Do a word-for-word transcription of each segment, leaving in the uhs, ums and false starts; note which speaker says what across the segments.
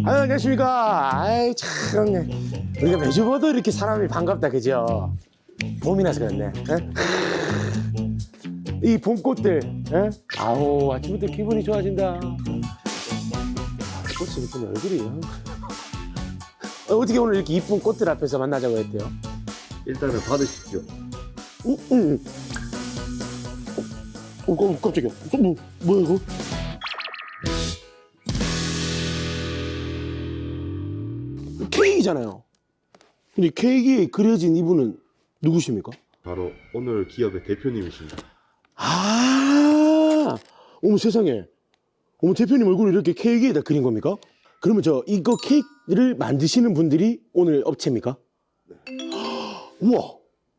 Speaker 1: 아유, 안녕하십니까. 아이, 참. 우리가 매주 봐도 이렇게 사람이 반갑다, 그죠? 봄이라서 그렇네. 에? 이 봄꽃들, 에? 아우, 아침부터 기분이 좋아진다. 꽃이 예쁜 얼굴이요. 어, 어떻게 오늘 이렇게 이쁜 꽃들 앞에서 만나자고 했대요?
Speaker 2: 일단은 받으십시오.
Speaker 1: 응, 응. 어, 어, 깜짝이야. 어, 뭐, 뭐야, 이거? 케이크잖아요. 근데 케이크에 그려진 이분은 누구십니까?
Speaker 2: 바로 오늘 기업의 대표님이십니다.
Speaker 1: 아, 어머 세상에. 어머 대표님 얼굴을 이렇게 케이크에다 그린 겁니까? 그러면 저 이거 케이크를 만드시는 분들이 오늘 업체입니까? 네. 우와.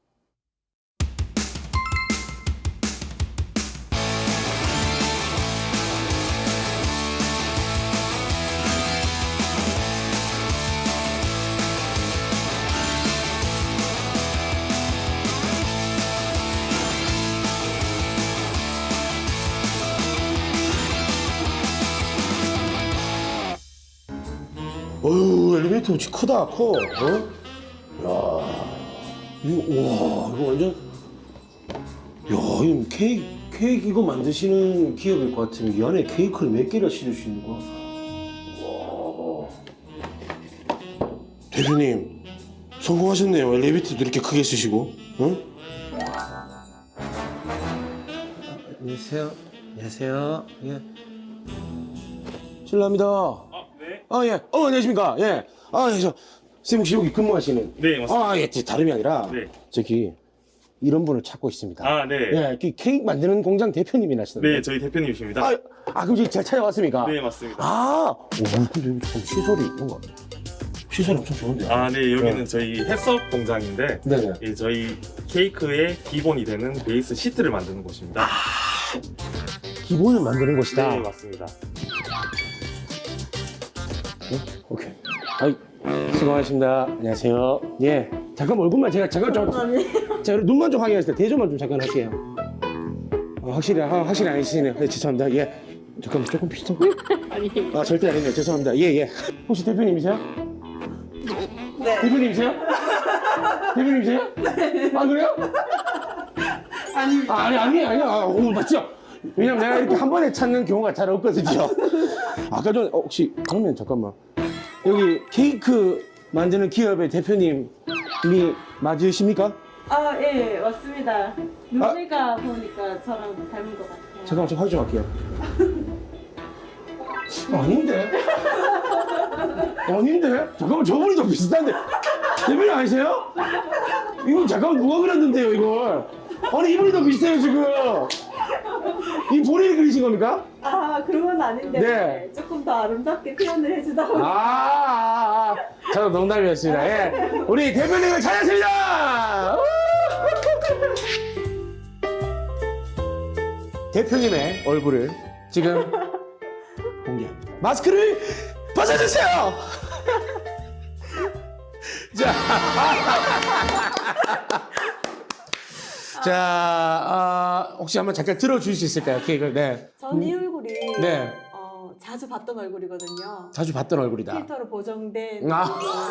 Speaker 1: 어휴, 엘리베이터 엄청 크다, 커. 어? 야, 이거, 와, 이거 완전. 야, 이거 케이크, 케이크 이거 만드시는 기업일 것 같으면 이 안에 케이크를 몇 개나 싣을 수 있는 거야? 와. 대표님, 성공하셨네요. 엘리베이터도 이렇게 크게 쓰시고, 응? 안녕하세요. 안녕하세요. 예. 실례합니다. 아, 예. 어, 안녕하십니까. 예. 아, 예, 저, 쌤 혹시 여기 근무하시는?
Speaker 3: 네, 맞습니다.
Speaker 1: 아, 예, 다름이 아니라.
Speaker 3: 네.
Speaker 1: 저기, 이런 분을 찾고 있습니다.
Speaker 3: 아, 네.
Speaker 1: 예, 그 케이크 만드는 공장 대표님이 나시던데.
Speaker 3: 네, 저희 대표님이십니다.
Speaker 1: 아, 아, 그럼 지금 잘 찾아왔습니까?
Speaker 3: 네, 맞습니다.
Speaker 1: 아, 오, 근데 여기 참 시설이 뭔가. 시설이 엄청 좋은데.
Speaker 3: 아, 네, 여기는
Speaker 1: 네.
Speaker 3: 저희 해썹 공장인데,
Speaker 1: 네네.
Speaker 3: 이 저희 케이크의 기본이 되는 베이스 시트를 만드는 곳입니다.
Speaker 1: 아, 기본을 만드는 곳이다.
Speaker 3: 네, 맞습니다.
Speaker 1: 네? 오케이. 아이, 수고하셨습니다. 안녕하세요. 예. 잠깐 얼굴만 제가 잠깐 좀. 자, 눈만 좀 확인하실 때 대조만 좀 잠깐 할게요. 아, 확실히, 아, 확실히 아니시네요. 네, 죄송합니다. 예. 잠깐만, 조금 비슷한 거?
Speaker 4: 아니.
Speaker 1: 아, 절대 아니네요. 죄송합니다. 예, 예. 혹시 대표님이세요?
Speaker 4: 네.
Speaker 1: 대표님이세요? 대표님이세요? 네. 아, 그래요?
Speaker 4: 아니.
Speaker 1: 아, 아니, 아니, 아니. 아, 오, 맞죠? 왜냐면 내가 이렇게 한 번에 찾는 경우가 잘 없거든요. 아까 전에, 어, 혹시, 그러면 잠깐만. 여기 케이크 만드는 기업의 대표님이 맞으십니까?
Speaker 4: 아, 예, 맞습니다. 눈매가 보니까 저랑 닮은 것 같아요.
Speaker 1: 잠깐만, 좀 확인 좀 할게요. 어, 아닌데? 아닌데? 잠깐만, 저분이 더 비슷한데. 대표님 아니세요? 이거 잠깐만, 누가 그렸는데요, 이걸? 아니, 이분이 더 비슷해요, 지금. 이 본인이 그리신 겁니까?
Speaker 4: 아, 그런 건 아닌데
Speaker 1: 네.
Speaker 4: 조금 더 아름답게 표현을 해주다 보니
Speaker 1: 아, 아, 아. 저도 농담이었습니다. 예. 우리 대표님을 찾았습니다! 대표님의 얼굴을 지금 공개합니다. 마스크를 벗어주세요! 자, 자, 아, 혹시 한번 잠깐 들어줄 수 있을까요? 케이크를. 네.
Speaker 4: 전 이 얼굴이
Speaker 1: 네.
Speaker 4: 어, 자주 봤던 얼굴이거든요.
Speaker 1: 자주 봤던 얼굴이다.
Speaker 4: 필터로 보정된
Speaker 1: 아.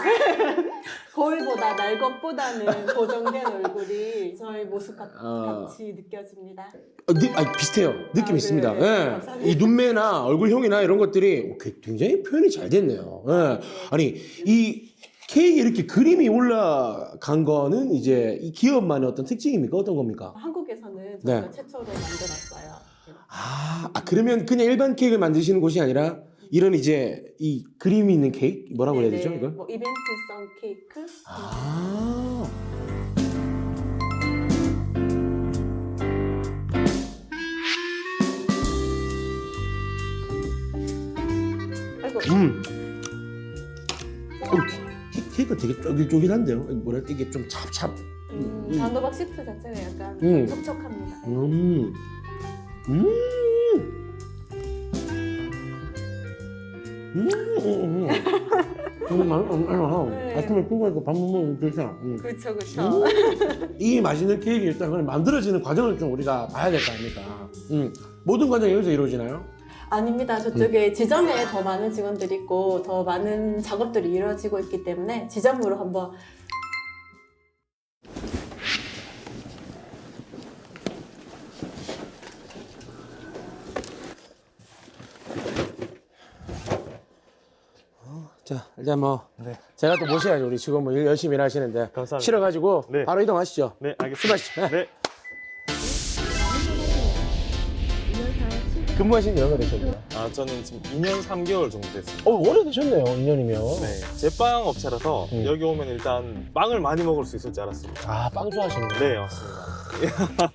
Speaker 4: 거울보다 날 것보다는 보정된 얼굴이 저의 모습 같,
Speaker 1: 어.
Speaker 4: 같이 느껴집니다.
Speaker 1: 어, 느, 아니, 비슷해요. 느낌
Speaker 4: 아,
Speaker 1: 있습니다.
Speaker 4: 네.
Speaker 1: 예.
Speaker 4: 감사합니다.
Speaker 1: 이 눈매나 얼굴형이나 이런 것들이 굉장히 표현이 잘 됐네요. 예. 아니, 이 케이크에 이렇게 그림이 올라간 거는 이제 이 기업만의 어떤 특징입니까? 어떤 겁니까?
Speaker 4: 한국에서는
Speaker 1: 네.
Speaker 4: 저희가 최초로 만들었어요.
Speaker 1: 아, 아, 그러면 그냥 일반 케이크를 만드시는 곳이 아니라 이런 이제 이 그림이 있는 케이크? 뭐라고 해야 되죠,
Speaker 4: 네네.
Speaker 1: 이걸?
Speaker 4: 뭐 이벤트성 케이크?
Speaker 1: 아.
Speaker 4: 아이고.
Speaker 1: 음. 어, 케- 케이크가 되게 쫄깃쫄깃한데요? 뭐라 이게 좀 찹찹.
Speaker 4: 음,
Speaker 1: 음.
Speaker 4: 단호박 시트 자체가 약간
Speaker 1: 음.
Speaker 4: 촉촉합니다.
Speaker 1: 음. 음. 음. 음. 음. 맛- 음. 음.
Speaker 4: 네.
Speaker 1: 아침에 피곤해서 밥 먹으면 좋잖아. 음.
Speaker 4: 그렇죠, 그렇죠.
Speaker 1: 음. 이 맛있는 케이크 일단 그냥 만들어지는 과정을 좀 우리가 봐야 될 거 아닙니까? 음. 모든 과정이 여기서 이루어지나요?
Speaker 4: 아닙니다. 저쪽에 지점에 더 많은 직원들이 있고 더 많은 작업들이 이루어지고 있기 때문에 지점으로 한번
Speaker 1: 자, 일단 뭐
Speaker 3: 네.
Speaker 1: 제가 또 모셔야죠. 우리 직원 뭐 일 열심히 일하시는데
Speaker 3: 감사합니다.
Speaker 1: 실어가지고
Speaker 3: 네.
Speaker 1: 바로 이동하시죠.
Speaker 3: 네, 알겠습니다.
Speaker 1: 수고하시죠.
Speaker 3: 네.
Speaker 1: 근무하신 지 얼마 되셨나요?
Speaker 3: 아, 저는 지금 이 년 삼 개월 정도 됐습니다.
Speaker 1: 어, 오래되셨네요. 이 년이면.
Speaker 3: 네, 제빵 업체라서
Speaker 1: 음.
Speaker 3: 여기 오면 일단 빵을 많이 먹을 수 있을 줄 알았습니다.
Speaker 1: 아, 빵 좋아하시는구나.
Speaker 3: 네, 맞습니다.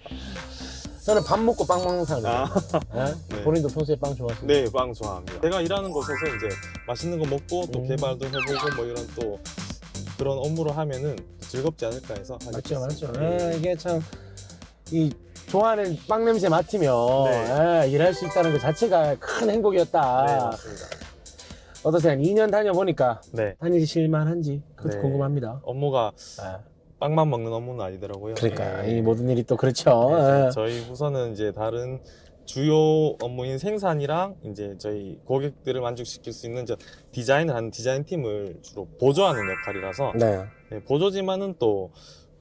Speaker 1: 저는 밥 먹고 빵 먹는 사람이에요.
Speaker 3: 아,
Speaker 1: 네?
Speaker 3: 네.
Speaker 1: 본인도 평소에 빵 좋아하시나요?
Speaker 3: 네, 빵 좋아합니다. 제가 일하는 곳에서 이제 맛있는 거 먹고 또
Speaker 1: 음.
Speaker 3: 개발도 해보고 뭐 이런 또 그런 업무를 하면은 즐겁지 않을까 해서 하게
Speaker 1: 맞죠,
Speaker 3: 됐습니다.
Speaker 1: 맞죠. 예, 이게 참, 이, 좋아하는 빵 냄새 맡으면
Speaker 3: 네.
Speaker 1: 예, 일할 수 있다는 것 자체가 큰 행복이었다.
Speaker 3: 네, 맞습니다.
Speaker 1: 어떠세요? 이 년 다녀보니까
Speaker 3: 네,
Speaker 1: 다니실만한지 그것도
Speaker 3: 네.
Speaker 1: 궁금합니다.
Speaker 3: 업무가
Speaker 1: 아,
Speaker 3: 빵만 먹는 업무는 아니더라고요.
Speaker 1: 그러니까
Speaker 3: 네.
Speaker 1: 이 모든 일이 또 그렇죠.
Speaker 3: 그래서
Speaker 1: 예.
Speaker 3: 저희 부서는 이제 다른 주요 업무인 생산이랑 이제 저희 고객들을 만족시킬 수 있는 저 디자인을 하는 디자인 팀을 주로 보조하는 역할이라서
Speaker 1: 네.
Speaker 3: 네, 보조지만은 또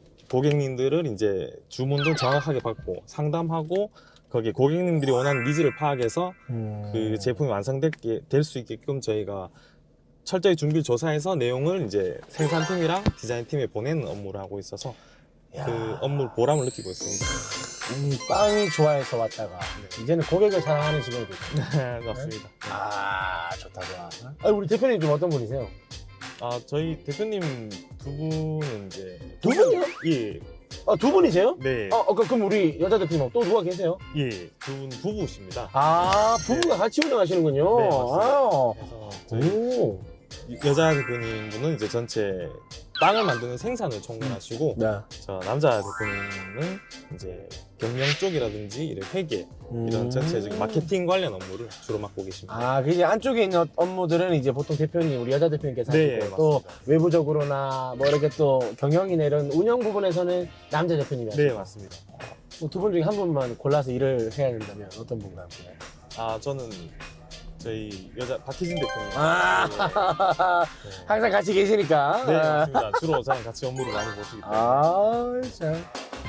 Speaker 3: 고객님들을 이제 주문도 정확하게 받고 상담하고 거기에 고객님들이 원하는 니즈를 파악해서
Speaker 1: 음.
Speaker 3: 그 제품이 완성되게 될 수 있게끔 저희가 철저히 준비를 조사해서 내용을 이제 생산팀이랑 디자인팀에 보내는 업무를 하고 있어서
Speaker 1: 야.
Speaker 3: 그 업무 보람을 느끼고 있습니다.
Speaker 1: 이 빵이 좋아해서 왔다가 이제는 고객을 사랑하는 직원이 됐죠.
Speaker 3: 네, 맞습니다.
Speaker 1: 아, 좋다, 좋아. 아, 우리 대표님 좀 어떤 분이세요?
Speaker 3: 아, 저희 대표님 두 분은 이제
Speaker 1: 두 분이요?
Speaker 3: 예,
Speaker 1: 아, 두 분이세요?
Speaker 3: 네,
Speaker 1: 어, 어, 그럼 우리 여자 대표님 또 누가 계세요?
Speaker 3: 예, 두 분 부부십니다.
Speaker 1: 아, 부부가 같이 운영하시는군요.
Speaker 3: 네, 맞습니다.
Speaker 1: 아.
Speaker 3: 그래서 저희
Speaker 1: 오.
Speaker 3: 여자 대표님 분은 이제 전체 빵을 만드는 생산을 총괄하시고
Speaker 1: 네.
Speaker 3: 저 남자 대표님은 이제 경영 쪽이라든지 이런 회계 이런
Speaker 1: 음.
Speaker 3: 전체적인 마케팅 관련 업무를 주로 맡고 계십니다.
Speaker 1: 아, 그 이제 안쪽에 있는 업무들은 이제 보통 대표님, 우리 여자 대표님께서
Speaker 3: 네,
Speaker 1: 하시고 또
Speaker 3: 맞습니다.
Speaker 1: 외부적으로나 뭐 이렇게 또 경영이나 이런 운영 부분에서는 남자 대표님이 하시고
Speaker 3: 네, 맞습니다.
Speaker 1: 두 분 중에 한 분만 골라서 일을 해야 된다면 어떤 분과 함께?
Speaker 3: 아, 저는 저희 여자 박희진 대표님.
Speaker 1: 아,
Speaker 3: 네.
Speaker 1: 항상 같이 계시니까.
Speaker 3: 네, 맞습니다. 주로 저랑 같이 업무를 많이 보시기 때문에.
Speaker 1: 아, 참.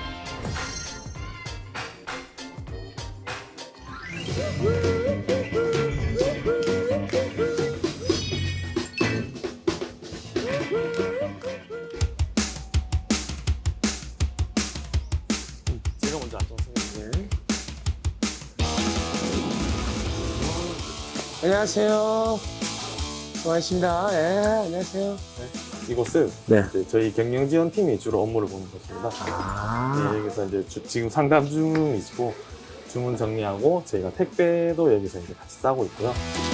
Speaker 3: 제가 먼저 앉아서
Speaker 1: 안녕하세요. 고맙습니다. 예, 안녕하세요.
Speaker 3: 이곳은
Speaker 1: 네.
Speaker 3: 이제 저희 경영지원팀이 주로 업무를 보는 곳입니다.
Speaker 1: 아,
Speaker 3: 네, 여기서 이제 주- 지금 상담 중이시고 주문 정리하고 저희가 택배도 여기서 이제 같이 싸고 있고요.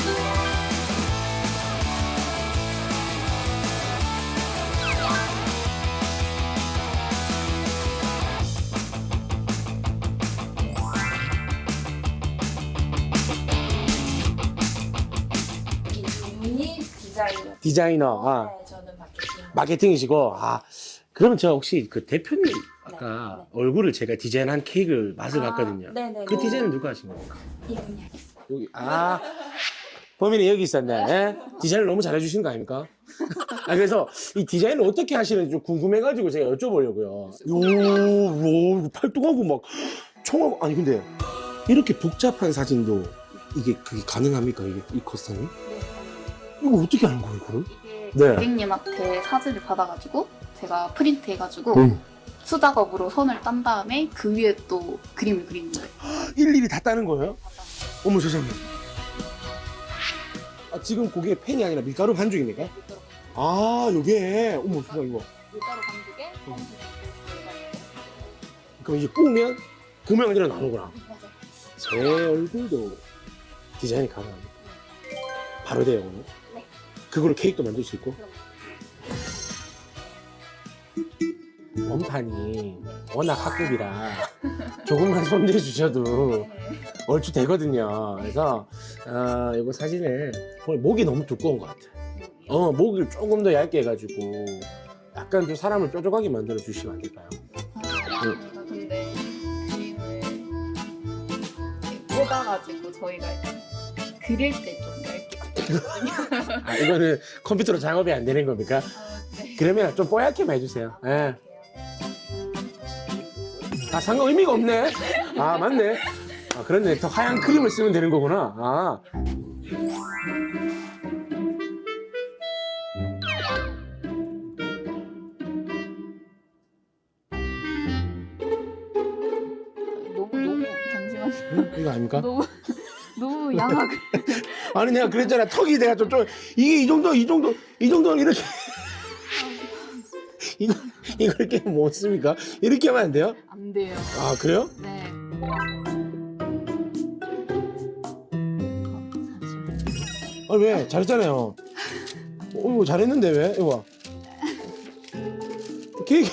Speaker 5: 이분이 디자이너.
Speaker 1: 디자이너. 아,
Speaker 5: 네, 저는 마케팅.
Speaker 1: 마케팅이시고. 아, 그러면 저 혹시 그 대표님 아까
Speaker 5: 네,
Speaker 1: 얼굴을 제가 디자인한 케이크를 맛을 봤거든요.
Speaker 5: 네네.
Speaker 1: 그 디자인은 누가 하신 겁니까?
Speaker 5: 이분이 하겠습니다.
Speaker 1: 여기, 아, 범인이 여기 있었네. 예? 디자인을 너무 잘해주신 거 아닙니까? 아, 그래서 이 디자인을 어떻게 하시는지 좀 궁금해가지고 제가 여쭤보려고요. 요, 요, 이거 팔뚝하고 막 총하고, 아니, 근데 이렇게 복잡한 사진도 이게 그게 가능합니까? 이게 이 커스텀이?
Speaker 5: 네.
Speaker 1: 이거 어떻게 하는 거예요, 이거를?
Speaker 5: 이게
Speaker 1: 네.
Speaker 5: 고객님한테 사진을 받아가지고 제가 프린트해가지고
Speaker 1: 응.
Speaker 5: 수작업으로 선을 딴 다음에 그 위에 또 그림을 그리는 거예요.
Speaker 1: 일일이 다 따는 거예요? 어머 세상에. 아, 지금 그게 펜이 아니라 밀가루 반죽입니까?
Speaker 5: 밀가루
Speaker 1: 아, 요게. 어머 세상에 이거.
Speaker 5: 밀가루 반죽에 검은색
Speaker 1: 그럼 이제 구우면 그 모양대로 나오는구나.
Speaker 5: 맞아요.
Speaker 1: 제 얼굴도 디자인이 가능합니다. 바로 돼요, 오늘.
Speaker 5: 네.
Speaker 1: 그걸로 케이크도 만들 수 있고.
Speaker 5: 그럼.
Speaker 1: 원판이 워낙 학급이라 조금만 손대해 주셔도 얼추 되거든요. 그래서 아, 이거 사진을 오늘 목이 너무 두꺼운 것 같아요. 어, 목을 조금 더 얇게 해가지고 약간 좀 사람을 뾰족하게 만들어 주시면 안 될까요?
Speaker 5: 아, 저희가 근데 그림을 이렇게 뽑아가지고 저희가 그릴 때 좀 얇게 그리거든요.
Speaker 1: 아, 이거는 컴퓨터로 작업이 안 되는 겁니까?
Speaker 5: 어, 네.
Speaker 1: 그러면 좀 뽀얗게만 해주세요. 예. 아, 상관 의미가 없네. 아, 맞네. 아, 그렇네. 더 하얀 크림을 쓰면 되는 거구나. 아.
Speaker 5: 너무 너무 잠시만요.
Speaker 1: 응? 이거 아닙니까?
Speaker 5: 너무 너무 양하게.
Speaker 1: 아니, 내가 그랬잖아. 턱이 내가 좀, 좀, 이게 이 정도, 이 정도, 이 정도는 이렇게. 이거, 이거 이렇게 못 씁니까? 이렇게 하면 안 돼요?
Speaker 5: 안 돼요.
Speaker 1: 아, 그래요?
Speaker 5: 네.
Speaker 1: 아, 왜? 잘했잖아요. 어, 이거 잘했는데, 왜? 이거 봐. 케이크.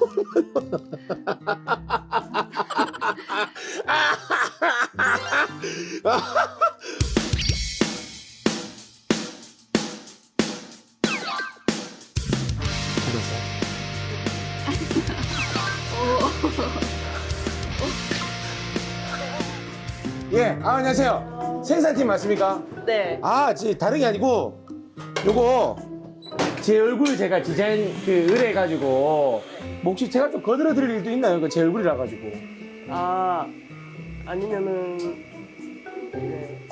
Speaker 1: 예, 아, 안녕하세요. 생산팀 맞습니까?
Speaker 6: 네.
Speaker 1: 아, 지 다른 게 아니고 요거 제 얼굴 제가 디자인 그 의뢰해가지고 뭐 혹시 제가 좀 거들어 드릴 일도 있나요? 그 제 얼굴이라 가지고.
Speaker 6: 아, 아니면은, 네.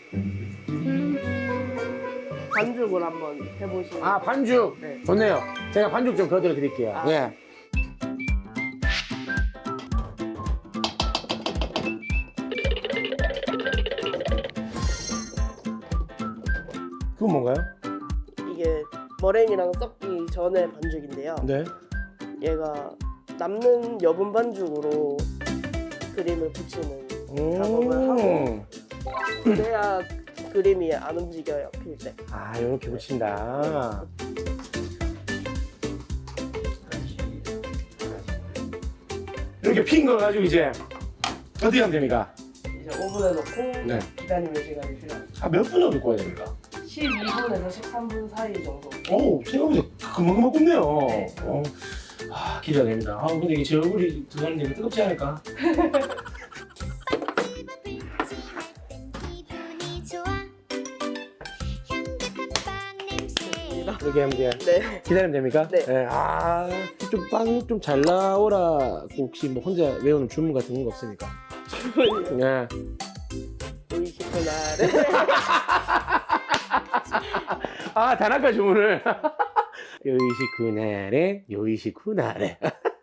Speaker 6: 반죽을 한번 해보시면.
Speaker 1: 아, 반죽.
Speaker 6: 네.
Speaker 1: 좋네요. 제가 반죽 좀 거들어 드릴게요.
Speaker 6: 아.
Speaker 1: 예. 그건 뭔가요?
Speaker 6: 이게 머랭이랑 섞기 전에 반죽인데요.
Speaker 1: 네.
Speaker 6: 얘가 남는 여분 반죽으로 그림을 붙이는 작업을 하고 그래야 그림이 안 움직여요, 필 때.
Speaker 1: 아, 이렇게 붙인다. 이렇게 핀 거 가지고 이제 어떻게 하면 됩니까?
Speaker 6: 이제 오븐에 넣고
Speaker 1: 네.
Speaker 6: 기다리는 시간이 필요합니다.
Speaker 1: 아, 몇 분 정도 구워야 됩니까?
Speaker 6: 십이 분에서 십삼 분 사이 정도.
Speaker 1: 오, 생각보다 금방금방 굽네요.
Speaker 6: 네.
Speaker 1: 어. 아, 기대가 됩니다. 아, 근데 이게 제 얼굴이 들어가는 게 뜨겁지 않을까? 이렇게 하면 돼요.
Speaker 6: 네.
Speaker 1: 기다리면 됩니까?
Speaker 6: 네.
Speaker 1: 아, 좀 빵 좀 잘 나오라. 혹시 뭐 혼자 외우는 주문 같은 거 없습니까?
Speaker 6: 주문이
Speaker 1: 예.
Speaker 6: 오이시구나.
Speaker 1: 아, 단아까 주문을. 요이시 그날에, 요이시 그날에.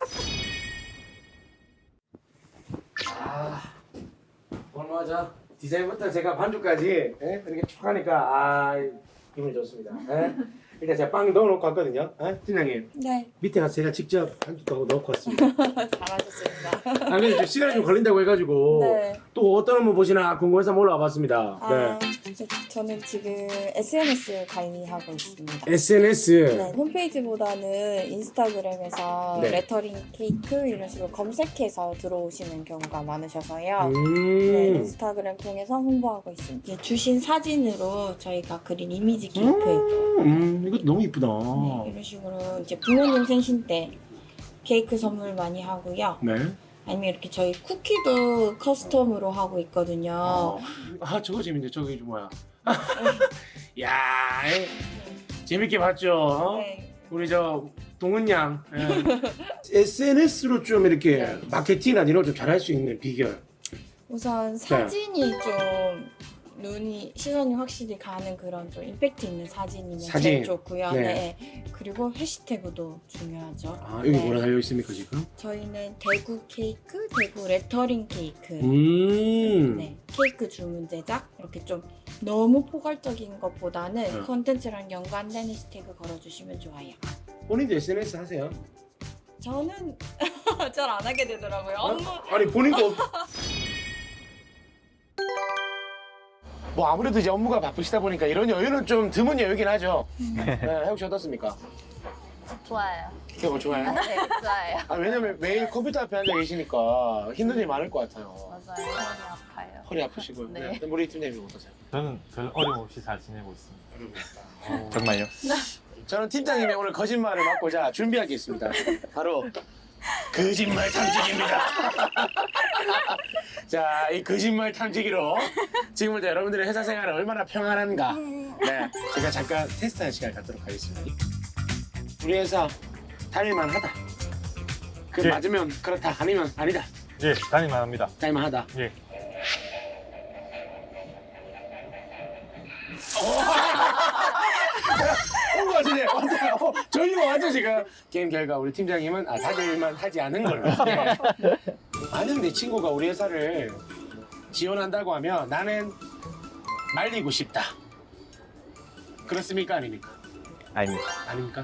Speaker 1: 아, 오늘 맞아. 디자인부터 제가 반죽까지 예? 이렇게 쭉 하니까 아, 기분이 좋습니다. 예? 일단 제가 빵 넣어놓고 왔거든요. 예? 팀장님.
Speaker 7: 네,
Speaker 1: 밑에 가서 제가 직접 반죽도 하고 넣고 왔습니다.
Speaker 7: 잘하셨습니다.
Speaker 1: 아, 근데 좀 시간이 좀 걸린다고 해가지고
Speaker 7: 네.
Speaker 1: 또 어떤 거 보시나 궁금해서 한번 올라와 봤습니다.
Speaker 7: 아, 저, 저는 지금 에스엔에스 관리하고 있습니다.
Speaker 1: 네. 에스엔에스.
Speaker 7: 네, 홈페이지보다는 인스타그램에서
Speaker 1: 네.
Speaker 7: 레터링 케이크 이런 식으로 검색해서 들어오시는 경우가 많으셔서요. 네,
Speaker 1: 음.
Speaker 7: 인스타그램 통해서 홍보하고 있습니다. 이제 주신 사진으로 저희가 그린 이미지 케이크.
Speaker 1: 음, 이것도 너무 이쁘다.
Speaker 7: 네, 이런 식으로 이제 부모님 생신 때 케이크 선물 많이 하고요.
Speaker 1: 네.
Speaker 7: 아니면 이렇게 저희 쿠키도 커스텀으로 하고 있거든요.
Speaker 1: 아, 저거 재밌네. 저거 이게 뭐야? 야, 이- 재밌게 봤죠?
Speaker 7: 네.
Speaker 1: 우리 저 동은 양. 예. 에스엔에스로 좀 이렇게
Speaker 7: 네.
Speaker 1: 마케팅이나 이런 거 좀 잘할 수 있는 비결.
Speaker 7: 우선 사진이 좀 눈이 시선이 확실히 가는 그런 좀 임팩트 있는 사진이면
Speaker 1: 사진.
Speaker 7: 제일 좋고요.
Speaker 1: 네.
Speaker 7: 네. 그리고 해시태그도 중요하죠.
Speaker 1: 아, 여기
Speaker 7: 네.
Speaker 1: 뭐라 달려 있습니까 지금?
Speaker 7: 저희는 대구 케이크, 대구 레터링 케이크.
Speaker 1: 음.
Speaker 7: 네. 케이크 주문 제작 이렇게 좀 너무 포괄적인 것보다는
Speaker 1: 네.
Speaker 7: 콘텐츠랑 연관된 해시태그 걸어주시면 좋아요.
Speaker 1: 본인도 에스엔에스 하세요?
Speaker 7: 저는 잘 안 하게 되더라고요. 업무
Speaker 1: 아니 본인도 없- 뭐 아무래도 이제 업무가 바쁘시다 보니까 이런 여유는 좀 드문 여유긴 하죠. 네, 혹시 어떻습니까?
Speaker 5: 좋아요.
Speaker 1: 그게 뭐 좋아요?
Speaker 5: 네, 좋아요.
Speaker 1: 아, 왜냐면 매일 컴퓨터 앞에 앉아 계시니까 힘든 일이 많을 것 같아요.
Speaker 5: 맞아요. 많이 아파요.
Speaker 1: 허리 아프시고요.
Speaker 5: 네.
Speaker 1: 네. 우리 팀장님 어떠세요?
Speaker 3: 저는 별 어림없이 잘 지내고 있습니다.
Speaker 1: 어려우겠다.
Speaker 3: 정말요?
Speaker 1: 저는 팀장님의 오늘 거짓말을 막고자 준비하겠습니다. 바로 거짓말 탐지기입니다. 자, 이 거짓말 탐지기로 지금부터 여러분들의 회사 생활은 얼마나 평안한가. 네, 제가 잠깐 테스트하는 시간을 갖도록 하겠습니다. 우리 회사 다닐만 하다. 그
Speaker 3: 예.
Speaker 1: 맞으면 그렇다, 아니면 아니다.
Speaker 3: 예, 다닐만 합니다.
Speaker 1: 다닐만 하다.
Speaker 3: 예.
Speaker 1: 어, 맞으네. 어, 저희가 완전 지금 게임 결과 우리 팀장님은 아, 다닐만 하지 않은 걸로. 네. 만약 내 친구가 우리 회사를 지원한다고 하면 나는 말리고 싶다. 그렇습니까? 아닙니까?
Speaker 3: 아닙니다.
Speaker 1: 아닙니까?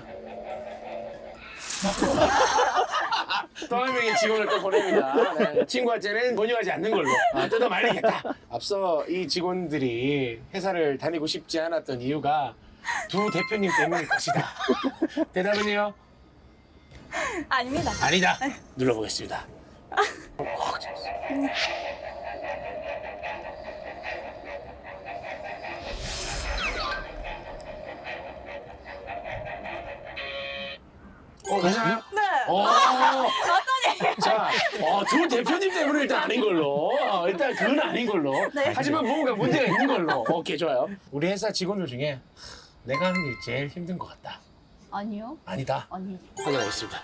Speaker 1: 또 한 명의 직원을 또 보냅니다. 네. 친구한테는 권유하지 않는 걸로 아, 뜯어 말리겠다. 앞서 이 직원들이 회사를 다니고 싶지 않았던 이유가 두 대표님 때문일 것이다. 대답은요?
Speaker 7: 아닙니다.
Speaker 1: 아니다. 눌러보겠습니다. 어, 괜찮아요?
Speaker 7: 네.
Speaker 1: 어, 어떠니? 자, 어, 두 대표님 때문에 일단 아닌 걸로. 어, 일단 그건 아닌 걸로.
Speaker 7: 네.
Speaker 1: 하지만 뭔가 문제가 있는 걸로. 오케이, 좋아요. 우리 회사 직원들 중에 내가 하는 일 제일 힘든 것 같다.
Speaker 5: 아니요.
Speaker 1: 아니다.
Speaker 5: 아니.
Speaker 1: 확인하겠습니다.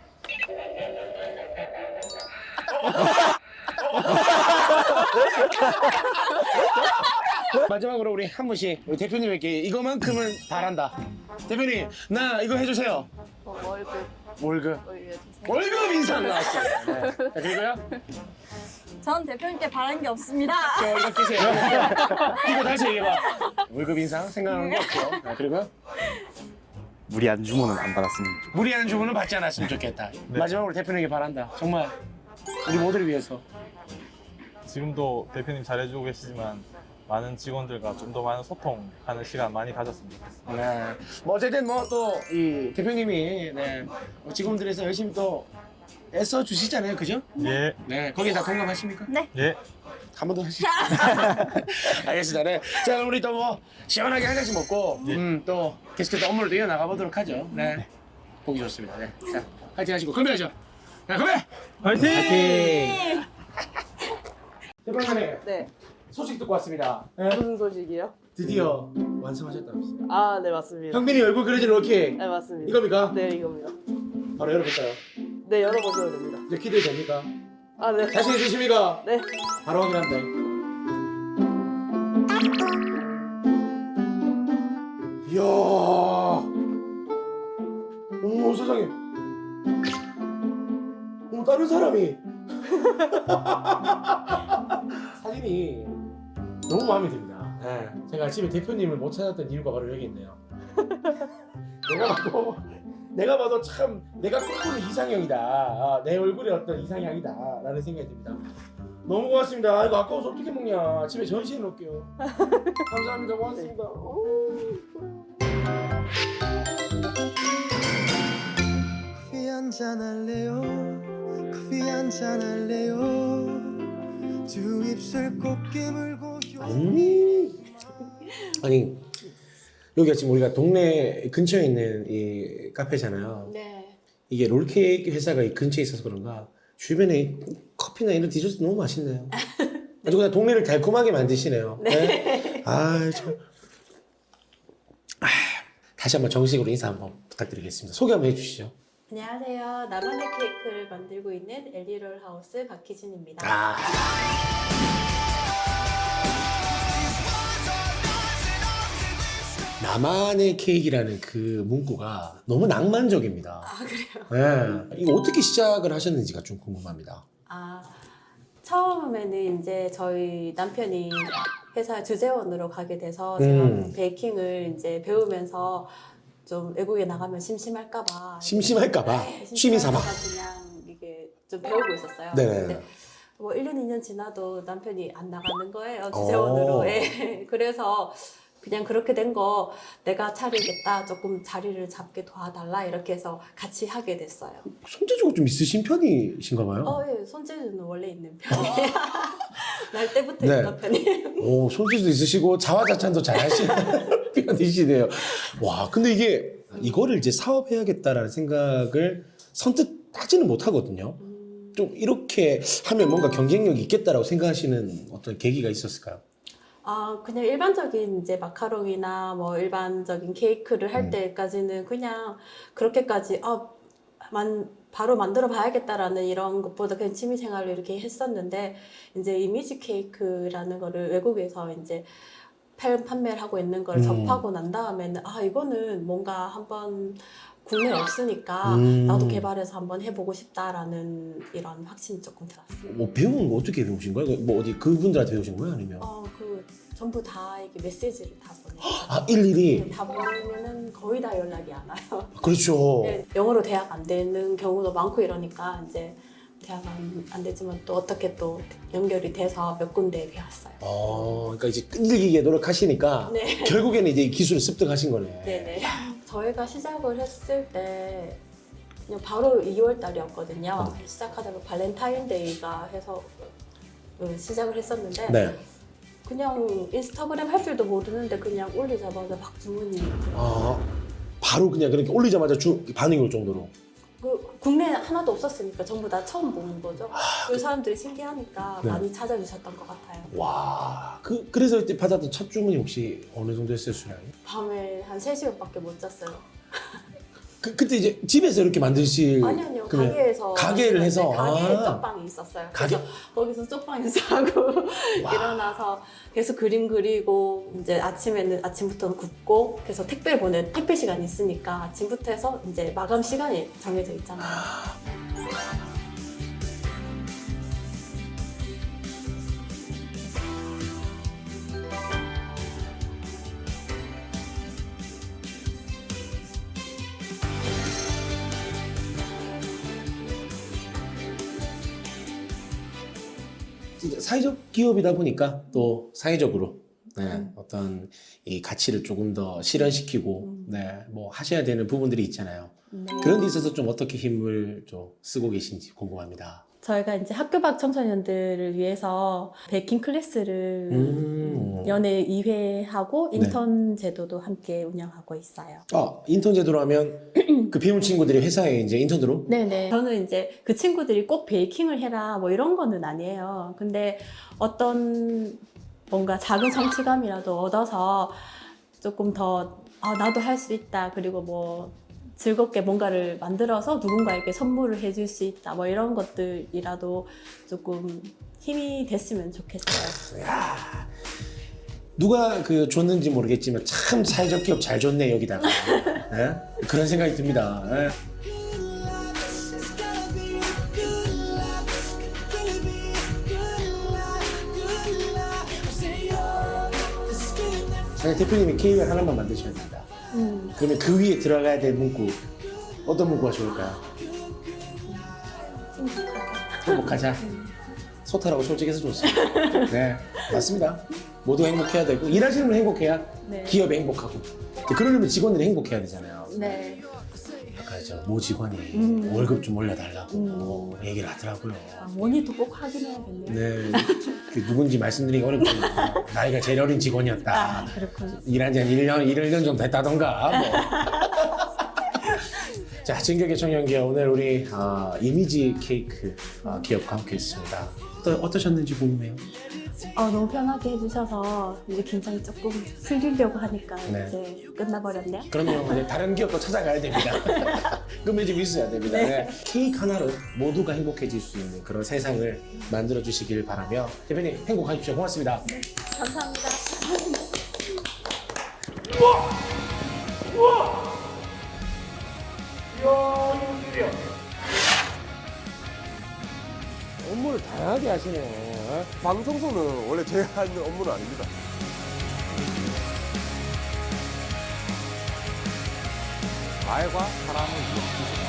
Speaker 1: 마지막으로 우리 한 분씩 우리 대표님에게 이거만큼은 바란다. 대표님, 나 이거 해주세요.
Speaker 5: 뭐 월급
Speaker 1: 월급.
Speaker 5: 올려주세요.
Speaker 1: 월급 인상 나왔어요. 네. 자, 그리고요.
Speaker 7: 전 대표님께 바란 게 없습니다.
Speaker 1: 저 월급 주세요. 이거 다시 얘기해봐. 월급 인상 생각하는 거 없고요. 아, 그리고요.
Speaker 2: 무리한 주문은 안 받았습니다.
Speaker 1: 무리한 주문은 받지 않았으면 좋겠다. 마지막으로 대표님에게 바란다. 정말 우리 모두를 위해서.
Speaker 3: 지금도 대표님 잘해주고 계시지만 많은 직원들과 좀 더 많은 소통하는 시간 많이 가졌으면 좋겠습니다.
Speaker 1: 네. 뭐 어쨌든 뭐 또 이 대표님이 네. 직원들에서 열심히 또 애써 주시잖아요, 그죠?
Speaker 3: 예,
Speaker 1: 네. 거기에 다 공감하십니까?
Speaker 7: 네.
Speaker 3: 예.
Speaker 1: 한 번 더 하시죠. 알겠습니다. 네. 자, 그럼 우리 또 뭐 시원하게 한 잔씩 먹고 음, 또 계속해서 업무를 또 이어나가 보도록 하죠. 네. 보기 좋습니다. 네. 자, 파이팅 하시고 건배하죠. 자, 건배!
Speaker 3: 화이팅!
Speaker 1: 파이팅! 대표님,
Speaker 6: 네.
Speaker 1: 소식 듣고 왔습니다. 네.
Speaker 6: 무슨 소식이요?
Speaker 1: 드디어 완성하셨다면서요.
Speaker 6: 아, 네, 맞습니다.
Speaker 1: 형빈이 얼굴 그려진 롤케이크.
Speaker 6: 네, 맞습니다.
Speaker 1: 이겁니까?
Speaker 6: 네, 이겁니다.
Speaker 1: 바로 열어볼까요?
Speaker 6: 네, 열어보셔도 됩니다.
Speaker 1: 이제 기대됩니까?
Speaker 6: 아, 네.
Speaker 1: 자신 있으십니까?
Speaker 6: 네.
Speaker 1: 바로 확인합니다. 이야. 어머, 세상에. 어머, 다른 사람이. 사진이 너무 마음에 듭니다. 네. 제가 아침에 대표님을 못 찾았던 이유가 바로 여기 있네요. 내가 봐도 내가 봐도 참 내가 꿈꾸는 이상형이다. 아, 내 얼굴에 어떤 이상향이다 라는 생각이 듭니다. 너무 고맙습니다. 아, 이거 아까워서 어떻게 먹냐. 집에 전시해 놓을게요. 감사합니다. 고맙습니다.
Speaker 8: 커피 한잔 할래요? 커피 한잔 할래요? 두 입술 꼭 깨물고
Speaker 1: 아니, 아니 여기가 지금 우리가 동네 근처에 있는 이 카페잖아요.
Speaker 4: 네.
Speaker 1: 이게 롤케이크 회사가 이 근처에 있어서 그런가 주변에 이 커피나 이런 디저트 너무 맛있네요. 아주 그냥 동네를 달콤하게 만드시네요. 네. 아, 참. 아, 다시 한번 정식으로 인사 한번 부탁드리겠습니다. 소개 한번 해주시죠.
Speaker 4: 안녕하세요. 나만의 케이크를 만들고 있는 엘리롤 하우스 박희진입니다.
Speaker 1: 아. 나만의 케이크라는 그 문구가 너무 낭만적입니다.
Speaker 4: 아, 그래요?
Speaker 1: 네. 이거 어떻게 시작을 하셨는지가 좀 궁금합니다.
Speaker 4: 아, 처음에는 이제 저희 남편이 회사 주재원으로 가게 돼서
Speaker 1: 음.
Speaker 4: 제가 베이킹을 이제 배우면서 좀 외국에 나가면 심심할까봐
Speaker 1: 심심할까봐
Speaker 4: 네,
Speaker 1: 취미 삼아.
Speaker 4: 심심할까봐 그냥 이게 좀 배우고 있었어요.
Speaker 1: 네네.
Speaker 4: 근데 뭐 일 년, 이 년 지나도 남편이 안 나가는 거예요. 주재원으로.
Speaker 1: 오.
Speaker 4: 예. 그래서 그냥 그렇게 된 거 내가 차리겠다. 조금 자리를 잡게 도와달라. 이렇게 해서 같이 하게 됐어요.
Speaker 1: 손재주가 좀 있으신 편이신가 봐요.
Speaker 4: 어, 예. 손재주는 원래 있는 편이에요. 날 때부터
Speaker 1: 네.
Speaker 4: 있던 편이에요.
Speaker 1: 오, 손재주도 있으시고 자화자찬도 잘하시는 편이시네요. 와, 근데 이게 이거를 이제 사업해야겠다라는 생각을 선뜻 따지는 못하거든요. 좀 이렇게 하면 뭔가 경쟁력이 있겠다라고 생각하시는 어떤 계기가 있었을까요?
Speaker 4: 아, 그냥 일반적인 이제 마카롱이나 뭐 일반적인 케이크를 할
Speaker 1: 음.
Speaker 4: 때까지는 그냥 그렇게까지 아, 만, 바로 만들어 봐야겠다라는 이런 것보다 그냥 취미 생활로 이렇게 했었는데 이제 이미지 케이크라는 거를 외국에서 이제 팔- 판매를 하고 있는 걸
Speaker 1: 음.
Speaker 4: 접하고 난 다음에는 아, 이거는 뭔가 한번 국내에 없으니까
Speaker 1: 음.
Speaker 4: 나도 개발해서 한번 해보고 싶다라는 이런 확신이 조금 들었어요.
Speaker 1: 뭐 배운 거 어떻게 배우신 거예요? 뭐 어디 그분들한테 배우신 거예요? 아니면
Speaker 4: 어, 그 전부 다 이게 메시지를 다 보내요.
Speaker 1: 아 일일이
Speaker 4: 다 보내면은 거의 다 연락이 안 와요.
Speaker 1: 그렇죠.
Speaker 4: 네, 영어로 대학 안 되는 경우도 많고 이러니까 이제 대학 안, 안 되지만 또 어떻게 또 연결이 돼서 몇 군데 배웠어요.
Speaker 1: 어, 그러니까 이제 끈질기게 노력하시니까
Speaker 4: 네.
Speaker 1: 결국에는 이제 이 기술을 습득하신 거네.
Speaker 4: 네네. 저희가 시작을 했을 때 그냥 바로 이월 달이었거든요.
Speaker 1: 음.
Speaker 4: 시작하다가 발렌타인데이가 해서 음, 시작을 했었는데
Speaker 1: 네.
Speaker 4: 그냥 인스타그램 할 줄도 모르는데 그냥 올리자마자 막 주문이
Speaker 1: 아, 바로 그냥 그렇게 올리자마자 주, 반응이 올 정도로.
Speaker 4: 그 국내에 하나도 없었으니까 전부 다 처음 보는 거죠. 그 사람들이 신기하니까
Speaker 1: 네.
Speaker 4: 많이 찾아주셨던 것 같아요.
Speaker 1: 와, 그 그래서 이때 받았던 첫 주문이 혹시 어느 정도 했어요, 수량이?
Speaker 4: 밤에 한 세 시간밖에 못 잤어요.
Speaker 1: 그 그때 이제 집에서 이렇게 만드실
Speaker 4: 아니요, 아니요.
Speaker 1: 그러면
Speaker 4: 가게에서.
Speaker 1: 가게를 해서?
Speaker 4: 가게에
Speaker 1: 아.
Speaker 4: 쪽방이 있었어요.
Speaker 1: 가게?
Speaker 4: 그래서 거기서 쪽방에서 하고 일어나서 계속 그림 그리고 이제 아침에는 아침부터는 굽고 그래서 택배를 보내 택배 시간이 있으니까 아침부터 해서 이제 마감 시간이 정해져 있잖아요.
Speaker 1: 진짜 사회적 기업이다 보니까 또 사회적으로 네, 어떤 이 가치를 조금 더 실현시키고
Speaker 4: 음.
Speaker 1: 네, 뭐 하셔야 되는 부분들이 있잖아요.
Speaker 4: 네.
Speaker 1: 그런 데 있어서 좀 어떻게 힘을 좀 쓰고 계신지 궁금합니다.
Speaker 4: 저희가 이제 학교 밖 청소년들을 위해서 베이킹 클래스를
Speaker 1: 음.
Speaker 4: 연애 이 회 하고
Speaker 1: 네.
Speaker 4: 인턴 제도도 함께 운영하고 있어요.
Speaker 1: 아, 인턴 제도로 하면 그 배운 친구들이 회사에 이제 인턴으로?
Speaker 4: 네네. 저는 이제 그 친구들이 꼭 베이킹을 해라 뭐 이런 거는 아니에요. 근데 어떤 뭔가 작은 성취감이라도 얻어서 조금 더 아, 나도 할 수 있다. 그리고 뭐 즐겁게 뭔가를 만들어서 누군가에게 선물을 해줄 수 있다. 뭐 이런 것들이라도 조금 힘이 됐으면 좋겠어요.
Speaker 1: 야, 누가 그 줬는지 모르겠지만 참 사회적 기업 잘 줬네 여기다가. 네? 그런 생각이 듭니다. 네. 아니, 대표님이 케이크를 하나만 만드셔야 됩니다.
Speaker 4: 음.
Speaker 1: 그러면 그 위에 들어가야 될 문구 어떤 문구가 좋을까요? 행복하자. 소탈하고 솔직해서 좋습니다. 네, 맞습니다. 모두 행복해야 되고 일하시는 분 행복해야
Speaker 4: 네.
Speaker 1: 기업이 행복하고 그러려면 직원들이 행복해야 되잖아요.
Speaker 4: 네.
Speaker 1: 아까 저 모 직원이
Speaker 4: 음.
Speaker 1: 월급 좀 올려달라고
Speaker 4: 음.
Speaker 1: 얘기를 하더라고요.
Speaker 4: 아, 원희도 꼭 확인해야겠네요.
Speaker 1: 네, 그 누군지 말씀드리기 어렵지만 나이가 제일 어린 직원이었다.
Speaker 4: 아, 그렇군요.
Speaker 1: 일한 지 한 일 년, 일 년 정도 됐다던가 뭐. 자, 진격의 청년기업 오늘 우리 아, 이미지 케이크 아, 기업과 함께 했습니다. 또 어떠셨는지 궁금해요.
Speaker 4: 아, 너무 편하게 해주셔서 이제 긴장이 조금 풀리려고 하니까
Speaker 1: 네.
Speaker 4: 이제 끝나버렸네요.
Speaker 1: 그럼요. 이제 다른 기업도 찾아가야 됩니다. 그럼 좀 있어야 됩니다. 네. 케이크 하나로 모두가 행복해질 수 있는 그런 세상을 만들어 주시길 바라며 대표님 행복하십시오. 고맙습니다.
Speaker 4: 감사합니다.
Speaker 1: 업무를 다양하게 하시네.
Speaker 9: 방청소는 원래 제가 하는 업무는 아닙니다.
Speaker 2: 말과 사람을 이어주시고